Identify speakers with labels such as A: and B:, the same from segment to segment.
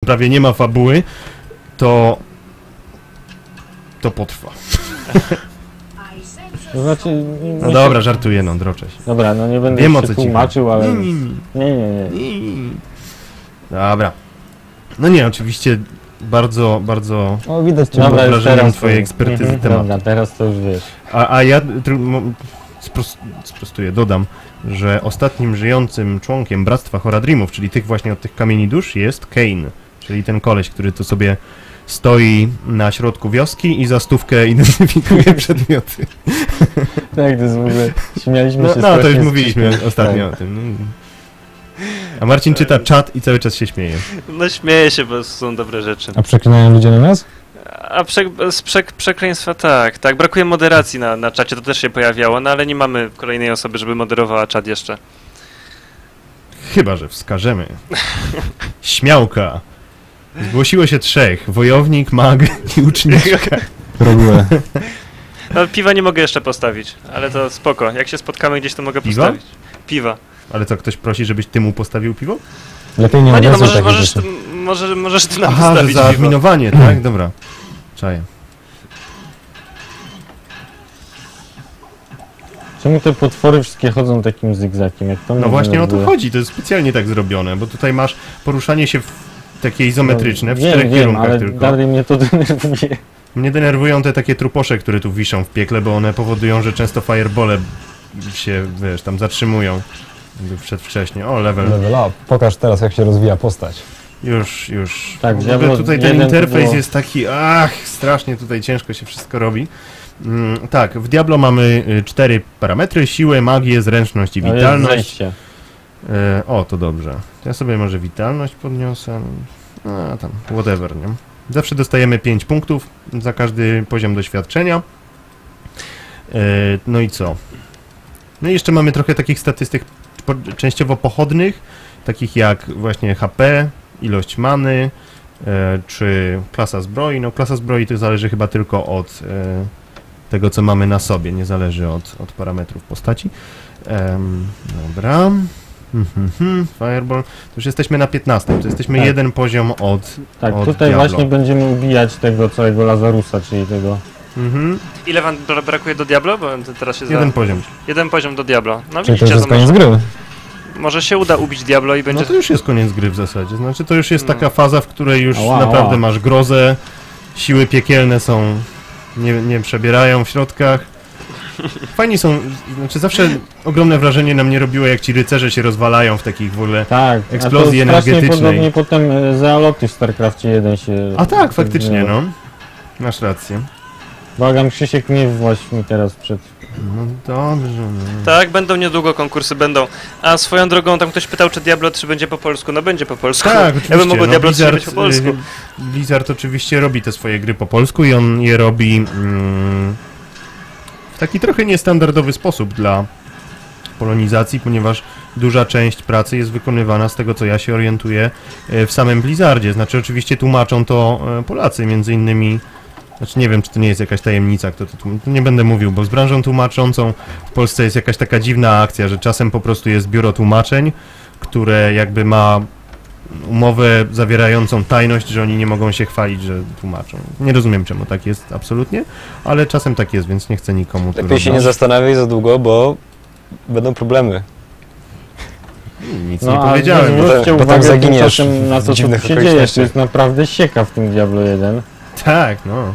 A: prawie nie ma fabuły, to potrwa.
B: To znaczy...
A: No dobra, żartuję, no, droczę się.
B: Dobra, no nie będę
A: Wiem, o
B: się
A: co ci
B: tłumaczył, ale...
A: Nie. Dobra. No nie, oczywiście bardzo
C: O, widać cię.
B: Dobra, już
A: wrażeniem
B: teraz
A: twojej
B: to-
A: ekspertyzy tematu.
B: Dobra, teraz to już wiesz.
A: A ja sprostuję, dodam, że ostatnim żyjącym członkiem Bractwa Horadrimów, czyli tych właśnie od tych kamieni dusz, jest Kane, czyli ten koleś, który tu sobie stoi na środku wioski i za stówkę identyfikuje przedmioty.
B: Tak, to jest w ogóle... Śmialiśmy się
A: No to już
B: strasznie z
A: mówiliśmy
B: Krzyśkiem.
A: ostatnio o tym. A Marcin czyta czat i cały czas się śmieje.
D: No śmieję się, bo są dobre rzeczy.
C: A przeklinają ludzie na nas?
D: A przekleństwa tak. Brakuje moderacji na czacie, to też się pojawiało, no ale nie mamy kolejnej osoby, żeby moderowała czat jeszcze.
A: Chyba że wskażemy. Śmiałka. Zgłosiło się 3. Wojownik, mag i uczniczka.
C: Robiłem.
D: No piwa nie mogę jeszcze postawić, ale to spoko. Jak się spotkamy gdzieś, to mogę
A: Piwa?
D: postawić. Piwa.
A: Ale co, ktoś prosi, żebyś ty mu postawił piwo?
C: Lepiej nie
D: No nie, no
C: nawiązuj
D: możesz,
C: takich
D: możesz,
C: rzeczy.
D: możesz ty nam
A: Aha, że
D: postawić
A: za
D: piwo.
A: adminowanie, tak? Dobra. Czaję.
B: Czemu te potwory wszystkie chodzą takim zygzakiem? Jak to mnie
A: No właśnie o to
B: denerwuje?
A: chodzi, to jest specjalnie tak zrobione, bo tutaj masz poruszanie się w takie izometryczne, w
B: Wiem,
A: 4
B: wiem,
A: kierunkach
B: ale
A: tylko.
B: dalej mnie to denerwuje.
A: Mnie denerwują te takie truposze, które tu wiszą w piekle, bo one powodują, że często firebole się, wiesz, tam zatrzymują. Jakby przedwcześnie. O, level.
C: Level up. Pokaż teraz, jak się rozwija postać.
A: Już.
B: Tak,
A: W ogóle
B: Diablo
A: tutaj ten
B: 1 to
A: interfejs
B: było-
A: jest taki, strasznie tutaj ciężko się wszystko robi. Tak, w Diablo mamy 4 parametry: siłę, magię, zręczność i
B: No jest
A: witalność.
B: zejście.
A: O, to dobrze. To ja sobie może witalność podniosę. A tam, whatever, nie? Zawsze dostajemy 5 punktów za każdy poziom doświadczenia. No i co? No i jeszcze mamy trochę takich statystyk częściowo pochodnych, takich jak właśnie HP, ilość many, czy klasa zbroi. No klasa zbroi to zależy chyba tylko od tego, co mamy na sobie, nie zależy od parametrów postaci. Dobra. Fireball. To już jesteśmy na 15. To jesteśmy
B: Tak.
A: jeden poziom od
B: Tak,
A: od
B: tutaj
A: Diablo.
B: właśnie będziemy ubijać tego całego Lazarusa, czyli tego...
D: Ile wam brakuje do Diablo? Bo teraz się
A: Jeden poziom.
D: Jeden poziom do Diablo. No
C: Czyli to
D: widzicie,
C: już jest
D: to
C: koniec gry.
D: może się uda ubić Diablo i będzie...
A: No to już jest koniec gry w zasadzie. Znaczy to już jest
D: No.
A: taka faza, w której już
B: Ała,
A: naprawdę
B: ała.
A: masz grozę, siły piekielne są, nie przebierają w środkach. Fajni są, znaczy zawsze ogromne wrażenie na mnie robiło, jak ci rycerze się rozwalają w takich w ogóle...
B: Tak,
A: Eksplozji
B: a to strasznie
A: energetycznej.
B: podobnie potem Zealoty w StarCraftie 1 się...
A: A tak, faktycznie, no. Masz rację.
B: Błagam, Krzysiek, nie właś mi teraz przed...
A: No dobrze, no.
D: Tak, będą niedługo konkursy, będą. A swoją drogą, tam ktoś pytał, czy Diablo 3 będzie po polsku. No będzie po polsku.
A: Tak, oczywiście.
D: Ja bym mógł
A: no,
D: Diablo 3 być po polsku.
A: Blizzard oczywiście robi te swoje gry po polsku i on je robi w taki trochę niestandardowy sposób dla polonizacji, ponieważ duża część pracy jest wykonywana, z tego co ja się orientuję, w samym Blizzardzie. Znaczy oczywiście tłumaczą to Polacy, między innymi. Znaczy nie wiem, czy to nie jest jakaś tajemnica, kto to tłumaczy. Nie będę mówił, bo z branżą tłumaczącą w Polsce jest jakaś taka dziwna akcja, że czasem po prostu jest biuro tłumaczeń, które jakby ma umowę zawierającą tajność, że oni nie mogą się chwalić, że tłumaczą. Nie rozumiem, czemu tak jest absolutnie, ale czasem tak jest, więc nie chcę nikomu tu
E: Lepiej się nie
A: rozdać.
E: zastanawiaj za długo, bo będą problemy.
A: Nic
B: No
A: nie
B: a
A: powiedziałem.
B: zwróćcie
E: Potem
B: uwagę
E: zaginiesz
B: tymczasem na
E: w
B: to, co
E: dziwnych
B: tu się dzieje.
E: okolicznościach.
B: To jest naprawdę sieka w tym Diablo 1.
A: Tak, no.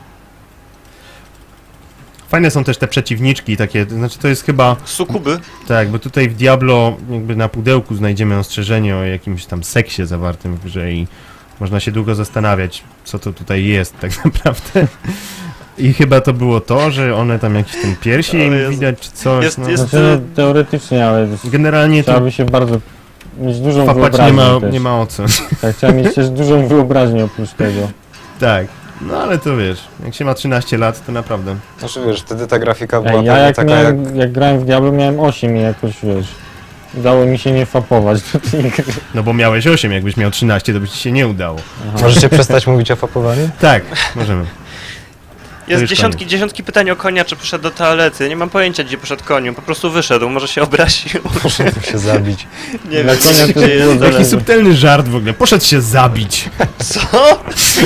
A: Fajne są też te przeciwniczki takie, to znaczy to jest chyba...
D: Sukuby.
A: Tak, bo tutaj w Diablo jakby na pudełku znajdziemy ostrzeżenie o jakimś tam seksie zawartym w grze i można się długo zastanawiać, co to tutaj jest tak naprawdę. I chyba to było to, że one tam jakieś ten piersi
D: O
A: im
D: Jezu.
A: widać czy coś.
D: Jest-
A: no.
D: jest-
B: Znaczy, no, teoretycznie, ale
A: Generalnie to
B: trzeba by się bardzo mieć dużą
A: papać
B: wyobraźnię też.
A: nie ma o co.
B: Tak, trzeba mieć też dużą wyobraźnię oprócz tego.
A: Tak, no ale to wiesz, jak się ma 13 lat, to naprawdę.
E: Znaczy wiesz, wtedy ta grafika była
B: Ej, ja
E: pewnie
B: jak,
E: taka
B: jak grałem w Diablo miałem 8 i jakoś wiesz, udało mi się nie fapować do tej gry.
A: No bo miałeś 8, jakbyś miał 13, to by ci się nie udało.
B: Aha.
E: Możecie przestać mówić o fapowaniu?
A: Tak, możemy.
D: Jest
A: już
D: dziesiątki pytań o konia, czy poszedł do toalety. Nie mam pojęcia, gdzie poszedł koniu. Po prostu wyszedł, może się obraził.
E: Muszę się zabić.
D: Nie
B: Dla
D: wiem,
B: konia to
D: gdzie
B: było
D: jest.
A: Taki subtelny żart w ogóle. Poszedł się zabić.
D: Co?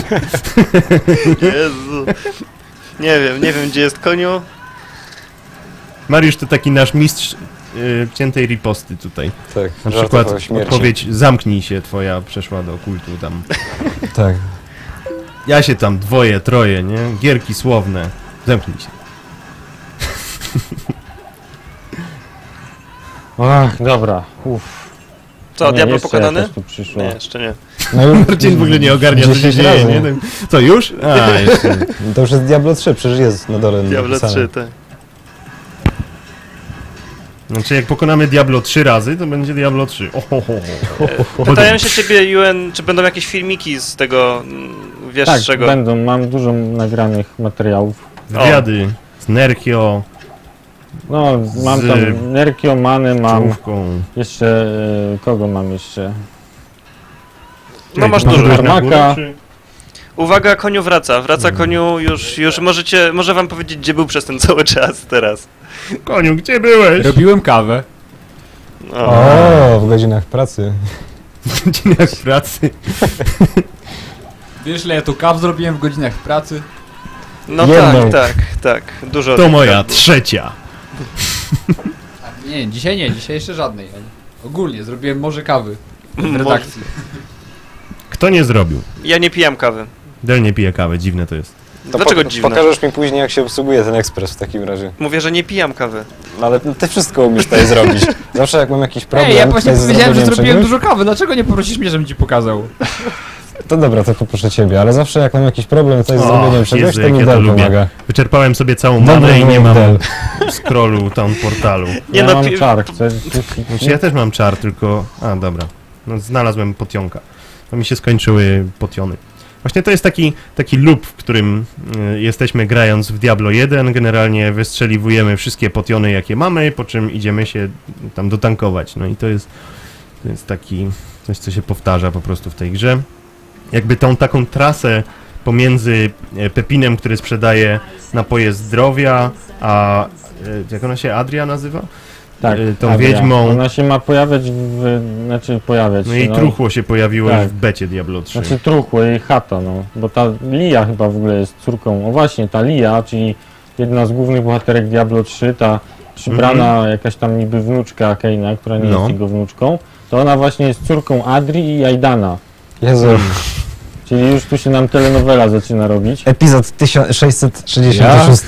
D: Jezu. Nie wiem, gdzie jest koniu.
A: Mariusz to taki nasz mistrz ciętej riposty tutaj.
E: Tak,
A: Na
E: żartów
A: przykład
E: o śmierci.
A: odpowiedź zamknij się twoja przeszła do kultu tam.
C: Tak.
A: Ja się tam dwoje, troje, nie? Gierki słowne. Zamknij się.
B: Ach, dobra. Uff.
D: Co,
B: Nie,
D: diablo
B: jeszcze
D: pokonany?
B: jakoś tu przyszło.
D: Nie, jeszcze nie.
C: No już
A: Marcin w ogóle nie ogarnia, co się
C: 10
A: dzieje,
C: razy.
A: nie? Co, już? A, jeszcze.
C: To już jest Diablo 3, przecież jest na dole
D: Diablo
C: napisane.
D: 3, tak.
A: Znaczy, jak pokonamy Diablo 3 razy, to będzie Diablo 3.
D: Pytają się ciebie, UN, czy będą jakieś filmiki z tego, wiesz
B: Tak,
D: czego?
B: będą. Mam dużo nagranych materiałów.
A: Wywiady z Nerkio,
B: No, mam
A: Z
B: tam Nerkio, Manę mam.
A: czołówką.
B: Jeszcze... kogo mam jeszcze?
D: No masz
A: Mam
D: dużo.
A: na górę,
B: Armaka.
A: czy-
D: Uwaga, koniu wraca koniu, już może wam powiedzieć, gdzie był przez ten cały czas teraz.
A: Koniu, gdzie byłeś?
F: Robiłem kawę.
C: O, w godzinach pracy.
A: W godzinach pracy.
F: Wiesz, ile ja tu kaw zrobiłem w godzinach pracy?
D: No
C: Jedną.
D: tak, dużo.
A: To moja trzecia.
F: Nie, dzisiaj jeszcze żadnej. Ogólnie zrobiłem morze kawy w redakcji.
A: Kto nie zrobił?
D: Ja nie pijam kawy.
A: Del nie pije kawy, dziwne to jest.
E: To
D: Dlaczego dziwne?
E: Pokażesz mi później, jak się obsługuje ten ekspres w takim razie.
D: Mówię, że nie pijam kawy.
E: No ale ty wszystko umiesz tutaj zrobić. Zawsze jak mam jakiś problem
F: Ej, ja właśnie
E: tutaj z
F: powiedziałem, że
E: zrobieniem
F: zrobiłem
E: czegoś,
F: dużo kawy, dlaczego nie poprosisz mnie, żebym ci pokazał?
C: To dobra, to poproszę ciebie, ale zawsze jak mam jakiś problem tutaj z
A: O,
C: zrobieniem czegoś,
A: Jezu,
C: to
A: jak
C: mi
A: ja to
C: Del
A: lubię.
C: pomaga.
A: Wyczerpałem sobie całą
C: Dobry
A: manę i nie mam
C: Del.
A: scrollu tam portalu.
D: Nie
B: ja
D: no,
B: mam czar, chcesz?
A: Znaczy ja też mam czar, tylko... A, dobra. No, znalazłem potionka. To mi się skończyły potiony. Właśnie to jest taki loop, w którym jesteśmy grając w Diablo 1. Generalnie wystrzeliwujemy wszystkie potiony, jakie mamy, po czym idziemy się tam dotankować. No i to jest taki coś, co się powtarza po prostu w tej grze. Jakby tą taką trasę pomiędzy Pepinem, który sprzedaje napoje zdrowia, a jak ona się, Adria nazywa?
B: Tak,
A: Tą
B: Adria.
A: wiedźmą.
B: Ona się ma pojawiać znaczy pojawiać
A: No
B: się,
A: jej truchło się pojawiło
B: Tak.
A: już w becie Diablo 3.
B: Znaczy truchło, jej chata, no. Bo ta Lia chyba w ogóle jest córką. O właśnie, ta Lia, czyli jedna z głównych bohaterek Diablo 3, ta przybrana jakaś tam niby wnuczka Kaina, która nie
A: No.
B: jest jego wnuczką, to ona właśnie jest córką Adri i Aidana.
C: Jezu,
B: Czyli już tu się nam telenowela zaczyna robić.
C: epizod 1666.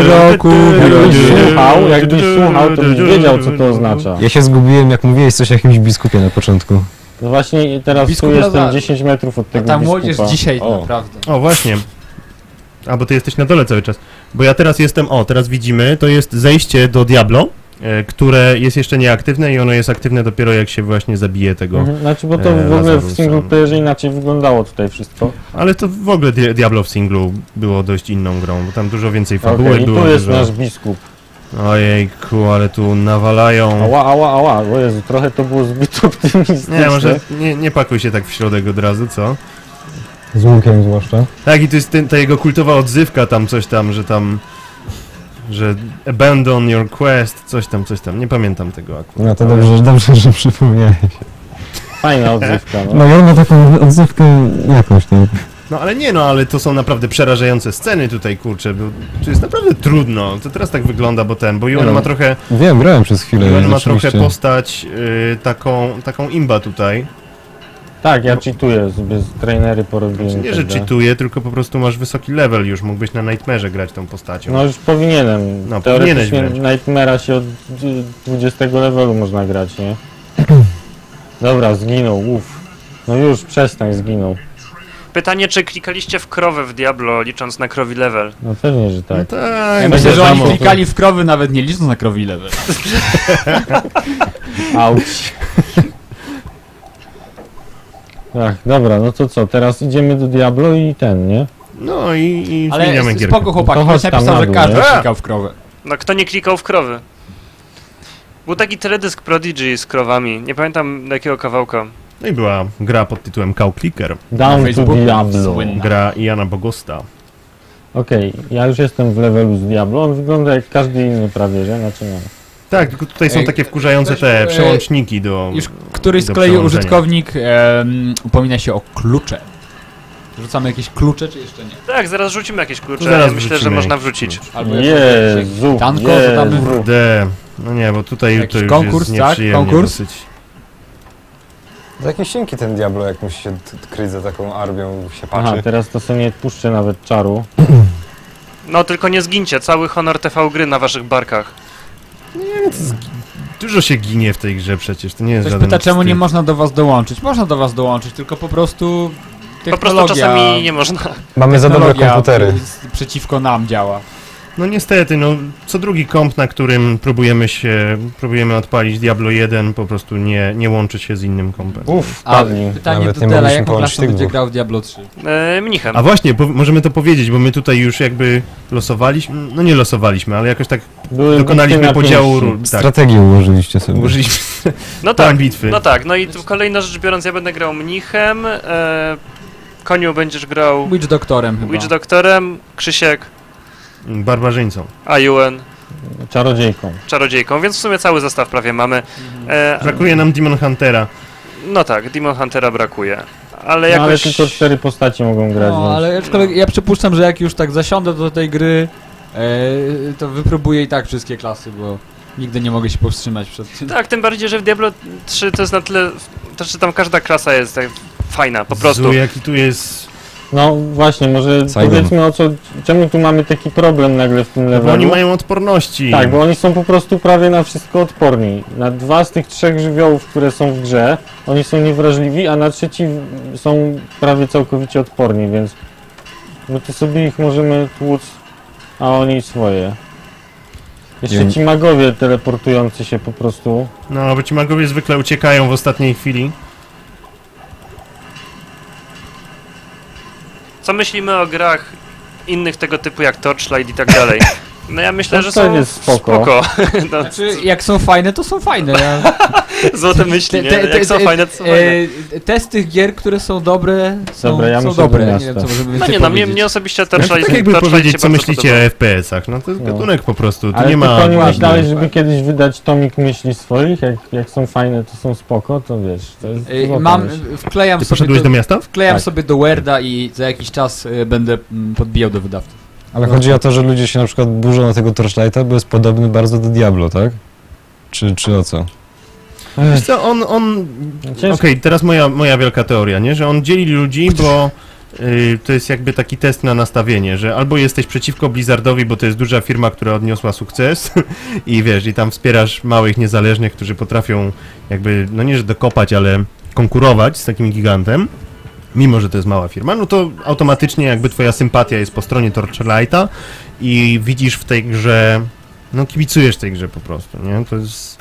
B: Jakbyś słuchał, to byś wiedział, co to oznacza.
C: Ja się zgubiłem, jak mówiłeś coś o jakimś biskupie na początku.
B: No właśnie teraz
F: Biskup
B: tu jestem
F: Lazarus.
B: 10 metrów od
F: A
B: tego
F: ta młodzież
B: biskupa.
F: dzisiaj
E: O.
F: naprawdę.
A: O, właśnie. A, bo ty jesteś na dole cały czas. Bo ja teraz jestem, teraz widzimy, to jest zejście do Diablo, które jest jeszcze nieaktywne i ono jest aktywne dopiero jak się właśnie zabije tego.
B: Mhm, znaczy, bo to w ogóle w
A: Lazarusa.
B: single playerze inaczej wyglądało tutaj wszystko.
A: Ale to w ogóle Diablo w singlu było dość inną grą, bo tam dużo więcej fabuły
B: Okej, i
A: było.
B: tu jest
A: dużo...
B: nasz biskup.
A: Ojejku, ale tu nawalają.
B: Ała, o Jezu, trochę to było zbyt optymistyczne.
A: Nie, może nie pakuj się tak w środek od razu, co?
C: Z łukiem zwłaszcza.
A: Tak, i to jest ta jego kultowa odzywka tam, coś tam, że abandon your quest, coś tam, nie pamiętam tego akurat.
C: No to
A: ale-
C: dobrze, że przypomniałeś.
B: Fajna odzywka, no.
C: No ja mam taką odzywkę jakąś tam.
A: No ale nie, ale to są naprawdę przerażające sceny tutaj, kurczę, bo tu jest naprawdę trudno, to teraz tak wygląda, bo Yuan
C: No.
A: ma trochę,
C: Wiem, grałem przez chwilę.
A: Yuan ma
C: rzeczywiście.
A: trochę postać taką imba tutaj.
B: Tak, ja cheatuję sobie, z trainery porobiłem.
A: Znaczy, nie,
B: i
A: że
B: tak dalej.
A: cheatuje, tylko po prostu masz wysoki level już, mógłbyś na Nightmare'ze grać tą postacią.
B: No już powinienem.
A: No,
B: Teoretycznie
A: powinieneś
B: Nightmare'a się od 20 levelu można grać, nie? Dobra, zginął, uff. No już, przestań, zginął.
D: Pytanie, czy klikaliście w krowę w Diablo, licząc na krowi level?
B: No pewnie, że
A: No
B: tak.
A: tak,
F: Ja
A: no
F: myślę, że oni
A: wiadomo.
F: klikali w krowy nawet nie licząc na krowi level.
B: Auć. Ach, dobra, no to co, teraz idziemy do Diablo i ten, nie?
A: No i
F: Ale
A: zmieniamy gierkę.
F: spoko chłopaki,
B: To
F: ktoś
B: chodź tam
F: napisał,
B: na
F: że
B: dół,
F: każdy
A: nie?
F: klikał w krowę.
D: No kto nie klikał w krowy? Był taki teledysk Prodigy z krowami, nie pamiętam do jakiego kawałka.
A: No i była gra pod tytułem Cow Clicker,
B: Down to
F: Facebooku
B: Diablo.
F: słynna.
A: gra Jana Bogosta.
B: Okej, ja już jestem w levelu z Diablo, on wygląda jak każdy inny prawie, że? Znaczy no.
A: Tak, tylko tutaj są
F: Ej,
A: takie wkurzające
F: weź,
A: te przełączniki do...
F: Już któryś z
A: do
F: kolei
A: przełączenia.
F: użytkownik upomina się o klucze. Rzucamy jakieś klucze, czy jeszcze nie?
D: Tak, zaraz rzucimy jakieś klucze.
A: Zaraz
D: Ja myślę, że
A: wrzucimy
D: można
A: jakiś
D: wrzucić.
A: klucz.
F: Albo
B: Jezu,
F: Tanko,
B: Jezu.
F: to tam-
A: Kurde, no nie, bo tutaj
F: Jakiś
A: to już
F: konkurs,
A: jest
F: tak?
A: nieprzyjemnie
F: Konkurs?
A: dosyć.
E: To jakiś cienki ten Diablo, jak musi się kryć za taką armią, się
B: Aha,
E: patrzy.
B: teraz to sobie nie odpuszczę nawet czaru.
D: No tylko nie zgincie, cały honor TV gry na waszych barkach.
A: Dużo się ginie w tej grze przecież, to nie jest
F: Ktoś
A: żaden
F: pyta, czemu
A: wstyd.
F: nie można do was dołączyć. Można do was dołączyć, tylko po prostu
D: Po prostu
F: technologia...
D: czasami nie można.
E: Mamy za dobre
F: technologia
E: komputery.
F: przeciwko nam działa.
A: No niestety, no co drugi komp, na którym próbujemy odpalić Diablo 1, po prostu nie łączy się z innym kompem.
E: Uff,
F: A
B: Padli.
F: pytanie
E: Nawet
F: do
E: nie
F: Dela,
E: mogliśmy
F: jaką
E: połączyć
F: klasą
E: tych
F: będzie
E: dwóch.
F: grał w Diablo 3?
D: Mnichem.
A: A właśnie, możemy to powiedzieć, bo my tutaj już jakby losowaliśmy, no nie losowaliśmy, ale jakoś tak
B: Były
A: dokonaliśmy
B: bitwy na
A: podziału
B: pięści.
A: ról. Tak,
C: Strategię ułożyliście sobie.
A: ułożyliśmy
D: No
A: plan
D: tak,
A: bitwy.
D: no tak. No i tu kolejna rzecz biorąc, ja będę grał mnichem, Koniu będziesz grał
F: Witch Doktorem chyba.
D: Witch Doktorem, Krzysiek,
A: Barbarzyńcą.
D: Ayuen,
B: Czarodziejką.
D: Czarodziejką, więc w sumie cały zestaw prawie mamy.
A: Brakuje nam Demon Huntera.
D: No tak, Demon Huntera brakuje. Ale
B: No, ale
D: jakoś...
B: tylko 4 postaci mogą grać,
F: No,
B: więc...
F: ale aczkolwiek ja przypuszczam, że jak już tak zasiądę do tej gry, to wypróbuję i tak wszystkie klasy, bo nigdy nie mogę się powstrzymać przed tym.
D: Tak, tym bardziej, że w Diablo 3 to jest na tyle... To, że tam każda klasa jest tak fajna, po prostu.
A: Zu, jaki tu jest...
B: No właśnie, może
C: Saigon.
B: powiedzmy o co... Czemu tu mamy taki problem nagle w tym
A: Bo
B: levelu?
A: oni mają odporności.
B: Tak, bo oni są po prostu prawie na wszystko odporni. Na 2 z tych 3 żywiołów, które są w grze, oni są niewrażliwi, a na trzeci są prawie całkowicie odporni, więc my tu sobie ich możemy tłuc, a oni swoje. Jeszcze
C: I-
B: ci magowie teleportujący się po prostu.
A: No, bo ci magowie zwykle uciekają w ostatniej chwili.
D: Co myślimy o grach innych tego typu jak Torchlight i tak dalej? No ja myślę, że
B: Torchlight
D: są
B: jest spoko.
D: No,
F: Znaczy, jak są fajne, to są fajne. Ja...
D: złote myśli, nie? Jak są fajne, to są fajne.
F: Test tych gier, które są dobre, są,
B: Dobra, ja
F: są
B: myślę,
F: dobre.
B: że
F: Nie
B: miasta.
F: wiem, co możemy
D: No
F: więcej
D: nie, no
F: powiedzieć.
D: mnie osobiście
A: Tak,
D: Torchlight,
A: tak jakby
D: Torchlight
A: powiedzieć,
D: się
A: co
D: bardzo
A: myślicie
D: podoba.
A: o FPS-ach. No to jest
B: No.
A: gatunek po prostu, tu
B: Ale
A: nie ma...
B: tylko nie
F: ładnie.
B: myślałeś, żeby kiedyś wydać tomik myśli swoich? Jak są fajne, to są spoko, to wiesz, to jest złota
F: Mam,
B: myśl.
F: wklejam
A: Ty
F: sobie
A: poszedłeś do miasta?
F: Wklejam
B: Tak.
F: sobie do Worda i za jakiś czas będę podbijał do wydawców.
C: Ale chodzi o to, że ludzie się na przykład burzą na tego Torchlighta, bo jest podobny bardzo do Diablo, tak? Czy o co?
A: Wiesz co, on...
B: Ciężko.
A: Okej, teraz moja wielka teoria, nie? Że on dzieli ludzi, bo to jest jakby taki test na nastawienie, że albo jesteś przeciwko Blizzardowi, bo to jest duża firma, która odniosła sukces i wiesz, i tam wspierasz małych, niezależnych, którzy potrafią jakby, no nie że dokopać, ale konkurować z takim gigantem, mimo że to jest mała firma, no to automatycznie jakby twoja sympatia jest po stronie Torchlighta i widzisz w tej grze, no kibicujesz tej grze po prostu, nie? To jest...